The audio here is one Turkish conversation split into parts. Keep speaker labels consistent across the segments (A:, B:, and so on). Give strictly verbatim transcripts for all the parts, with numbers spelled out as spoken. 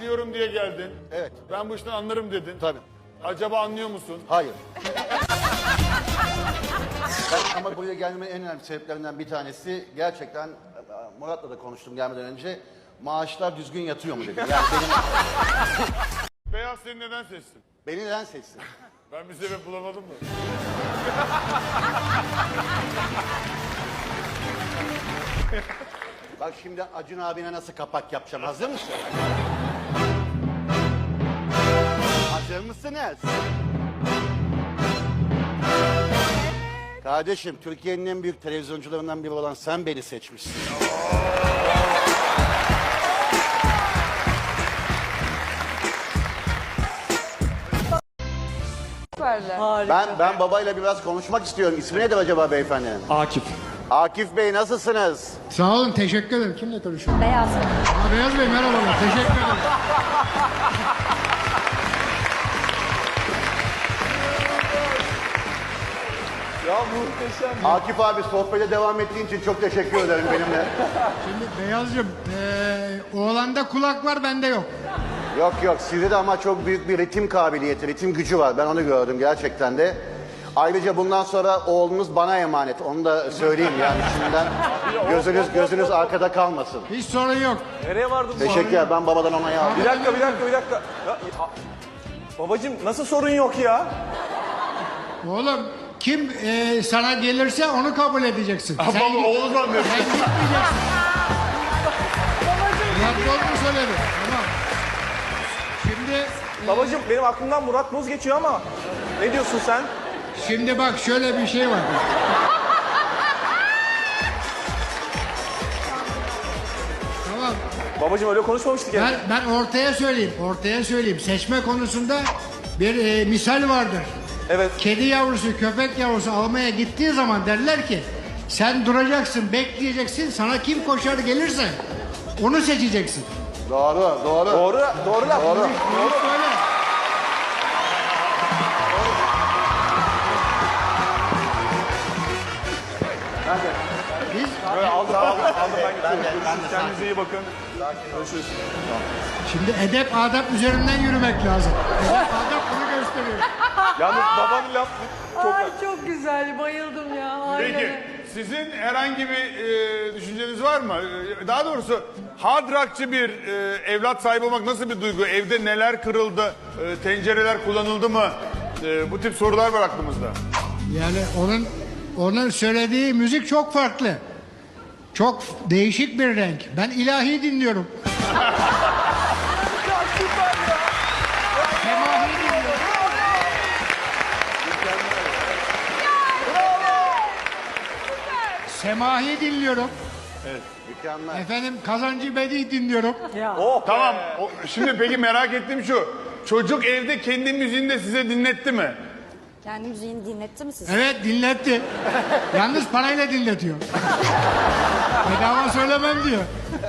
A: biliyorum diye geldin.
B: Evet.
A: Ben bu işten anlarım dedin.
B: Tabii.
A: Acaba anlıyor musun?
B: Hayır. Ben, ama buraya gelmemin en önemli sebeplerinden bir tanesi gerçekten Murat'la da konuştum gelmeden önce. Maaşlar düzgün yatıyor mu dedim. Yani benim,
A: Beyaz seni neden seçsin?
B: beni neden seçsin?
A: Ben bir sebep bulamadım mı?
B: Bak şimdi Acun abine nasıl kapak yapacağım. Hazır mısın? Hazır mısınız? Kardeşim, Türkiye'nin en büyük televizyoncularından biri olan sen beni seçmişsin. Ben ben babayla biraz konuşmak istiyorum. İsmi nedir acaba beyefendinin?
C: Akif.
B: Akif Bey, nasılsınız?
D: Sağ olun, teşekkür ederim. Kimle konuşuyorum?
E: Beyaz.
D: Aa, Beyaz Bey merhabalar, teşekkür ederim.
C: Ya muhteşem.
B: Akif abi, sohbete devam ettiğin için çok teşekkür ederim benimle.
D: Şimdi Beyazcığım, eee oğlanda kulak var, bende yok.
B: Yok yok, sizde de ama çok büyük bir ritim kabiliyeti, ritim gücü var. Ben onu gördüm gerçekten de. Ayrıca bundan sonra oğlunuz bana emanet. Onu da söyleyeyim yani şimdiden. Gözünüz gözünüz arkada kalmasın.
D: Hiç sorun yok.
C: Nereye vardın bu
B: Teşekkürler, ben babadan onayı aldım.
C: Bir dakika, bir dakika, bir dakika. Ya, ya- babacığım nasıl sorun yok ya?
D: Oğlum, kim eee, sana gelirse onu kabul edeceksin.
A: Baba oğlu zannediyor.
D: Sen gitmeyeceksin. Murat Boz mu söyledi? Tamam. Şimdi, eee,
C: Babacığım benim aklımdan Murat Boz geçiyor ama ne diyorsun sen?
D: şimdi bak şöyle bir şey var. Tamam.
C: Babacığım öyle konuşmamıştık ya.
D: Ben, ben ortaya söyleyeyim, ortaya söyleyeyim. Seçme konusunda bir e, misal vardır.
C: Evet.
D: Kedi yavrusu, köpek yavrusu almaya gittiği zaman derler ki sen duracaksın, bekleyeceksin. Sana kim koşar gelirse onu seçeceksin.
B: Doğru, doğru.
C: Doğru, doğru laf.
B: Doğru.
D: Bunu söyle. Biz
C: Böyle aldım, aldım, aldım ben gidiyorum. Görüşürüz. Kendinize iyi bakın. Görüşürüz.
D: şimdi edep adap üzerinden yürümek lazım. Edep adap bunu gösteriyor.
C: Yalnız babanın lafı çok...
E: Ay çok güzel, bayıldım ya. Aynen.
A: Peki sizin herhangi bir e, düşünceniz var mı? E, Daha doğrusu hard rockçı bir e, evlat sahibi olmak nasıl bir duygu? Evde neler kırıldı? E, tencereler kullanıldı mı? E, bu tip sorular var aklımızda.
D: Yani onun onun söylediği müzik çok farklı. Çok değişik bir renk. Ben ilahi dinliyorum. Semahi dinliyorum. Semahi dinliyorum.
B: Mükemmel.
D: Efendim Kazancı Bedi dinliyorum.
C: Oh,
A: Tamam. O, şimdi peki merak ettiğim şu. Çocuk evde kendi müziğini de size dinletti mi?
E: Kendi müziğini dinletti mi size?
D: Evet dinletti. Yalnız parayla dinletiyor. Bedava söylemem diyor.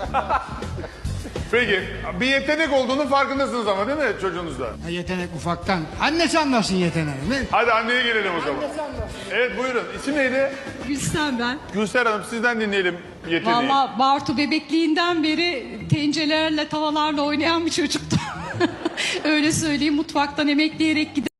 A: Peki bir yetenek olduğunu farkındasınız ama değil mi çocuğunuzda?
D: Ha, yetenek ufaktan. Annesi anlasın yeteneği. Ne?
A: Hadi anneye gelelim o zaman. Evet buyurun. İsim neydi?
F: Gülsen ben.
A: Gülser Hanım sizden dinleyelim yeteneği.
F: Valla Bartu bebekliğinden beri tencerelerle, tavalarla oynayan bir çocuktu. Öyle söyleyeyim, mutfaktan emekleyerek gider.